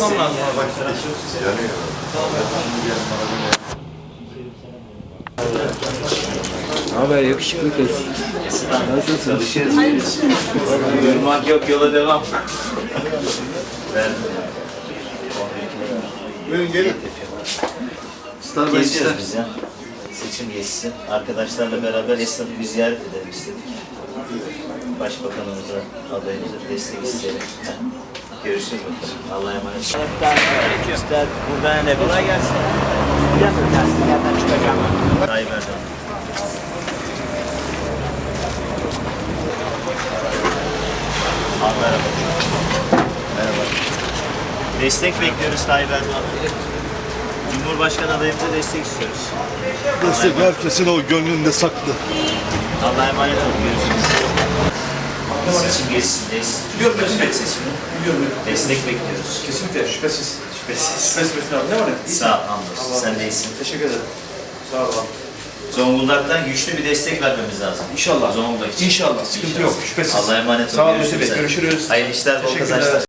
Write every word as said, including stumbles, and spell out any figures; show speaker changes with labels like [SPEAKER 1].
[SPEAKER 1] kapatmam lazım abi.
[SPEAKER 2] Yanıyor.
[SPEAKER 3] Ne haber yakışıklı kız? Nasılsın?
[SPEAKER 1] Çalışırız. Durmak yok, yola devam.
[SPEAKER 2] Buyurun gelin.
[SPEAKER 1] Geziyoruz biz ya. Seçim gezisi. Arkadaşlarla beraber esnafı bir ziyaret edelim istedik. Başbakanımıza, adayımıza destek isteyelim. Görüşürüz bakalım. Allah'a emanet olun. Üstad, buradan ne? Kolay gelsin. Yerden çıkacağım. Tayyip Erdoğan. Abi merhaba. Merhaba. Destek bekliyoruz Tayyip Erdoğan'a. Cumhurbaşkanı adayımıza destek istiyoruz.
[SPEAKER 2] Destek herkesin o gönlünde saklı.
[SPEAKER 1] Allah'a emanet olun. Görüşürüz. Seçim gezisindeyiz. Cumhurbaşkanı seçimi. Destek bekliyoruz.
[SPEAKER 4] Kesinlikle şüphesiz.
[SPEAKER 1] Şüphesiz.
[SPEAKER 4] Şüphesiz Metin abi. Ne var ne?
[SPEAKER 1] Sağ ol, hamdolsun. Sen de iyisin.
[SPEAKER 4] Teşekkür ederim. Sağ ol abi.
[SPEAKER 1] Zonguldak'tan güçlü bir destek vermemiz lazım.
[SPEAKER 4] İnşallah.
[SPEAKER 1] Zonguldak için.
[SPEAKER 4] İnşallah. Sıkıntı yok. Şüphesiz.
[SPEAKER 1] Allah'a emanet olun.
[SPEAKER 4] Sağ ol
[SPEAKER 1] Görüşürüz.
[SPEAKER 4] Yusuf Bey. Görüşürüz.
[SPEAKER 1] Hayırlı işler, bol
[SPEAKER 4] Teşekkürler.
[SPEAKER 1] kazançlar.